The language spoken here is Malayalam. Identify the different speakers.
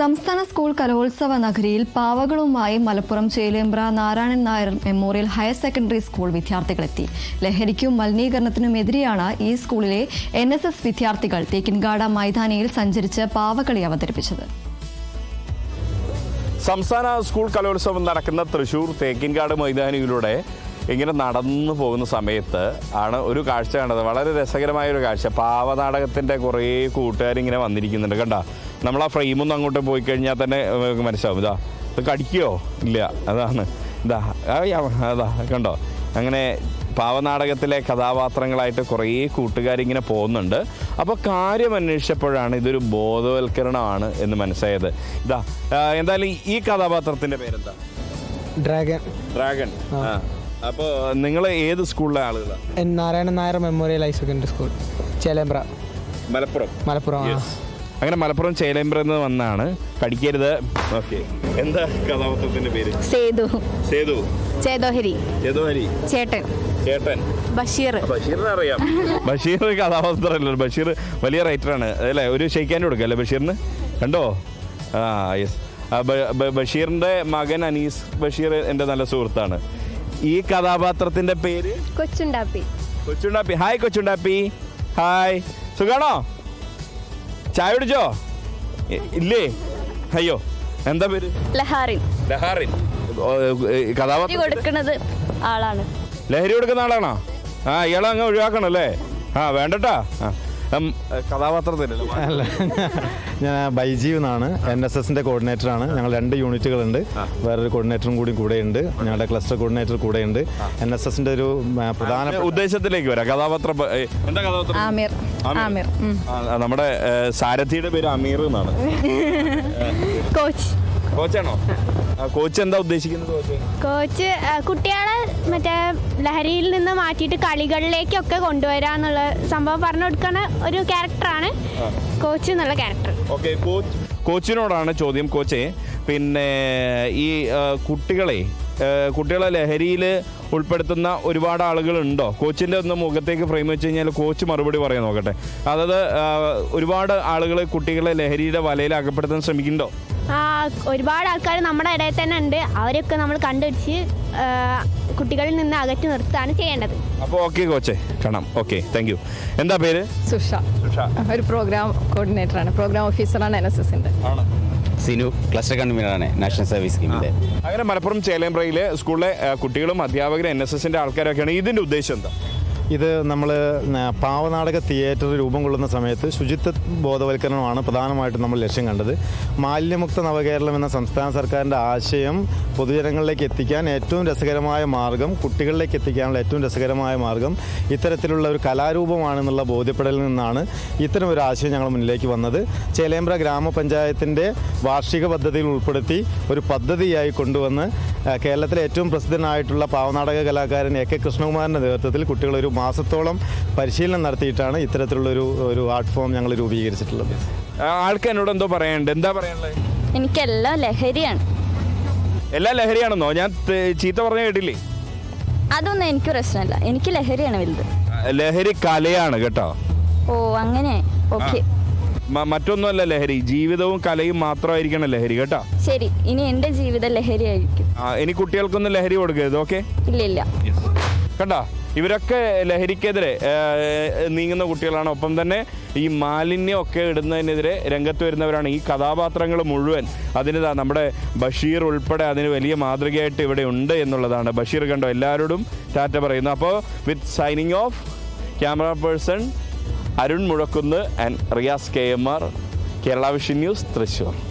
Speaker 1: സംസ്ഥാന സ്കൂൾ കലോത്സവ നഗരിയിൽ പാവകളുമായി Malappuram Chelembra Narayanan Nair memorial higher secondary school വിദ്യാർത്ഥികളെത്തി. ലഹരിക്കും മലിനീകരണത്തിനുമെതിരെയാണ് ഈ സ്കൂളിലെ NSS വിദ്യാർത്ഥികൾ തേക്കിൻകാട് മൈതാനിയിൽ സഞ്ചരിച്ച് പാവകളി അവതരിപ്പിച്ചത്.
Speaker 2: സംസ്ഥാന സ്കൂൾ കലോത്സവം നടക്കുന്ന തൃശ്ശൂർ തേക്കിൻകാട് മൈതാനിയിലൂടെ ഇങ്ങനെ നടന്നു പോകുന്ന സമയത്ത് ആണ് ഒരു കാഴ്ച കണ്ടത്. വളരെ രസകരമായ ഒരു കാഴ്ച. പാവനാടകത്തിൻ്റെ കുറേ കൂട്ടുകാരിങ്ങനെ വന്നിരിക്കുന്നുണ്ട്. കണ്ട, നമ്മൾ ആ ഫ്രെയിമൊന്നും അങ്ങോട്ട് പോയി കഴിഞ്ഞാൽ തന്നെ മനസ്സിലാവും. ഇത് കടിക്കുകയോ ഇല്ല, അതാണ് അതാ കണ്ടോ. അങ്ങനെ പാവനാടകത്തിലെ കഥാപാത്രങ്ങളായിട്ട് കുറേ കൂട്ടുകാരിങ്ങനെ പോകുന്നുണ്ട്. അപ്പോൾ കാര്യം അന്വേഷിച്ചപ്പോഴാണ് ഇതൊരു ബോധവൽക്കരണമാണ് എന്ന് മനസ്സിലായത്. എന്തായാലും ഈ കഥാപാത്രത്തിൻ്റെ പേരെന്താ? ഡ്രാഗൺ. അപ്പോൾ നിങ്ങൾ ഏത് സ്കൂളിലെ ആളുകളാണ്?
Speaker 3: Narayanan Nair memorial higher secondary school, Chelembra, Malappuram.
Speaker 2: അങ്ങനെ മലപ്പുറം ചേലേമ്പ്രന്ന് വന്നാണ്. കടിക്കരുത്. ഓക്കെ. എന്താ കഥാപാത്രത്തിന്റെ പേര്?
Speaker 4: ചേതോഹരി.
Speaker 2: ചേട്ടൻ ബഷീറിനെ അറിയാം. ബഷീർ കഥാപാത്രമല്ലോ. ബഷീർ വലിയ റൈറ്ററാണ് അല്ലേ? ഒരു ഷെയ്ക്കാൻ്റെ കൊടുക്കല്ലേ ബഷീറിന്? കണ്ടോ? യെസ്. ബഷീറിന്റെ മകൻ അനീസ് ബഷീർ എൻ്റെ നല്ല സുഹൃത്താണ്. ഈ കഥാപാത്രത്തിന്റെ പേര് കൊച്ചുണ്ടാപ്പി. ഹായ് കൊച്ചുണ്ടാപ്പി. ഹായ്, സുഖാണോ? ചായ കുടിച്ചോ? ഇല്ലേ? അയ്യോ, എന്താ പേര്? ലഹാറിൻ. കഥാപാത്രം കൊടുക്കുന്നത് ആളാണ്. ലഹരി കൊടുക്കുന്ന ആളാണോ? ഇയാളെ അങ്ങ് ഒഴിവാക്കണം അല്ലേ? വേണ്ടട്ടാ. കഥാപാത്രത്തിലല്ല.
Speaker 5: അല്ല, ഞാൻ ബൈജീവ് എന്നാണ്. NSSന്റെ കോർഡിനേറ്ററാണ്. ഞങ്ങൾ 2 യൂണിറ്റുകളുണ്ട്. വേറൊരു കോർഡിനേറ്ററും കൂടെയുണ്ട്. ഞങ്ങളുടെ ക്ലസ്റ്റർ കോർഡിനേറ്റർ കൂടെയുണ്ട്. NSSന്റെ ഒരു പ്രധാന
Speaker 2: ഉദ്ദേശത്തിലേക്ക് വരാം. കഥാപാത്രം എന്താ? കഥാപാത്രം
Speaker 4: ആമിർ.
Speaker 2: നമ്മുടെ സാരഥിയുടെ പേര് അമീർ എന്നാണ്. കോച്ചാണോ? കോച്ച് എന്താ ഉദ്ദേശിക്കുന്നത്?
Speaker 6: കോച്ച് കുട്ടികളെ മറ്റേ ലഹരിയിൽ നിന്ന് മാറ്റിയിട്ട് കളികളിലേക്കൊക്കെ കൊണ്ടുവരാന്നുള്ള സംഭവം പറഞ്ഞു കൊടുക്കുന്ന ഒരു ക്യാരക്ടറാണ് കോച്ച് എന്നുള്ള ക്യാരക്ടർ.
Speaker 2: ഓക്കെ, കോച്ചിനോടാണ് ചോദ്യം. കോച്ചേ, പിന്നെ ഈ കുട്ടികളെ ലഹരിയിൽ ഉൾപ്പെടുത്തുന്ന ഒരുപാട് ആളുകളുണ്ടോ? കോച്ചിൻ്റെ ഒന്ന് മുഖത്തേക്ക് ഫ്രെയിം വെച്ച് കഴിഞ്ഞാൽ കോച്ച് മറുപടി പറയാൻ നോക്കട്ടെ. അതായത് ഒരുപാട് ആളുകൾ കുട്ടികളെ ലഹരിയുടെ വലയിൽ അകപ്പെടുത്താൻ ശ്രമിക്കുന്നുണ്ടോ?
Speaker 6: ഒരുപാട് ആൾക്കാർ നമ്മുടെ ഇടയിൽ തന്നെ ഉണ്ട്. അവരൊക്കെ നമ്മൾ കണ്ടുപിടിച്ച് കുട്ടികളിൽ നിന്ന് അകറ്റി നിർത്തുകയാണ് ചെയ്യേണ്ടത്.
Speaker 2: അപ്പോൾ ഓക്കെ കോച്ചേ, കാണാം. Okay, thank you. എന്താ പേര്?
Speaker 4: സുഷ. ഒരു പ്രോഗ്രാം കോർഡിനേറ്ററാണ്, പ്രോഗ്രാം ഓഫീസറാണ് NSSന്റെ.
Speaker 7: സിനു, ക്ലസ്റ്റർ കൺവീനറാണ് നാഷണൽ സർവീസ് സ്കീമിൻ്റെ.
Speaker 2: അങ്ങനെ മലപ്പുറം ചേലേമ്പ്രയിലെ സ്കൂളിലെ കുട്ടികളും അധ്യാപകരും NSSന്റെ ആൾക്കാരൊക്കെയാണ്. ഇതിൻ്റെ ഉദ്ദേശം എന്താ?
Speaker 5: ഇത് നമ്മൾ പാവനാടക തിയേറ്റർ രൂപം കൊള്ളുന്ന സമയത്ത് ശുചിത്വ ബോധവൽക്കരണമാണ് പ്രധാനമായിട്ടും നമ്മൾ ലക്ഷ്യം കണ്ടത്. മാലിന്യമുക്ത നവകേരളം എന്ന സംസ്ഥാന സർക്കാരിൻ്റെ ആശയം പൊതുജനങ്ങളിലേക്ക് എത്തിക്കാൻ ഏറ്റവും രസകരമായ മാർഗം, കുട്ടികളിലേക്ക് എത്തിക്കാനുള്ള ഏറ്റവും രസകരമായ മാർഗം ഇത്തരത്തിലുള്ള ഒരു കലാരൂപമാണെന്നുള്ള ബോധ്യപ്പെടലിൽ നിന്നാണ് ഇത്തരം ഒരു ആശയം ഞങ്ങൾ മുന്നിലേക്ക് വന്നത്. ചേലേമ്പ്ര ഗ്രാമപഞ്ചായത്തിൻ്റെ വാർഷിക പദ്ധതിയിൽ ഉൾപ്പെടുത്തി ഒരു പദ്ധതിയായി കൊണ്ടുവന്ന് കേരളത്തിലെ ഏറ്റവും പ്രസിദ്ധനായിട്ടുള്ള പാവനാടക കലാകാരൻ AK കൃഷ്ണകുമാറിൻ്റെ നേതൃത്വത്തിൽ കുട്ടികൾ ഒരു മാസത്തോളം പരിശീലനം നടത്തിയിട്ടാണ് ഇത്തരത്തിലുള്ളൊരു ആർട്ട് ഫോം ഞങ്ങൾ രൂപീകരിച്ചിട്ടുള്ളത്.
Speaker 2: ആൾക്ക് എന്നോട് എന്തോ പറയാനുണ്ട്. എന്താ പറയാനുള്ളത്?
Speaker 4: എനിക്കെല്ലാം ലഹരിയാണ്.
Speaker 2: എല്ലാം ലഹരിയാണെന്നോ? ഞാൻ ചീത്ത പറഞ്ഞ കേട്ടില്ലേ?
Speaker 4: അതൊന്നും എനിക്ക് പ്രശ്നമല്ല. എനിക്ക് ലഹരിയാണ് വലുത്.
Speaker 2: ലഹരി കലയാണ് കേട്ടോ.
Speaker 4: ഓ, അങ്ങനെ. ഓക്കെ.
Speaker 2: മറ്റൊന്നുമല്ല ലഹരി, ജീവിതവും കലയും മാത്രമായിരിക്കണം ലഹരി കേട്ടോ.
Speaker 4: ശരി, ഇനി എന്റെ ജീവിതം ലഹരി ആയിരിക്കും.
Speaker 2: ഇനി കുട്ടികൾക്കൊന്നും ലഹരി കൊടുക്കരുത്. ഓക്കെ?
Speaker 4: ഇല്ല.
Speaker 2: കണ്ടോ, ഇവരൊക്കെ ലഹരിക്കെതിരെ നീങ്ങുന്ന കുട്ടികളാണ്. ഒപ്പം തന്നെ ഈ മാലിന്യമൊക്കെ ഇടുന്നതിനെതിരെ രംഗത്ത് വരുന്നവരാണ്. ഈ കഥാപാത്രങ്ങൾ മുഴുവൻ അതിന് നമ്മുടെ ബഷീർ ഉൾപ്പെടെ അതിന് വലിയ മാതൃകയായിട്ട് ഇവിടെ ഉണ്ട് എന്നുള്ളതാണ്. ബഷീർ കണ്ടോ എല്ലാവരോടും ടാറ്റ പറയുന്നു. അപ്പോൾ with signing off, camera person Arun Muzhakkunnu and Riyas KMR, Kerala vision news, Thrissur.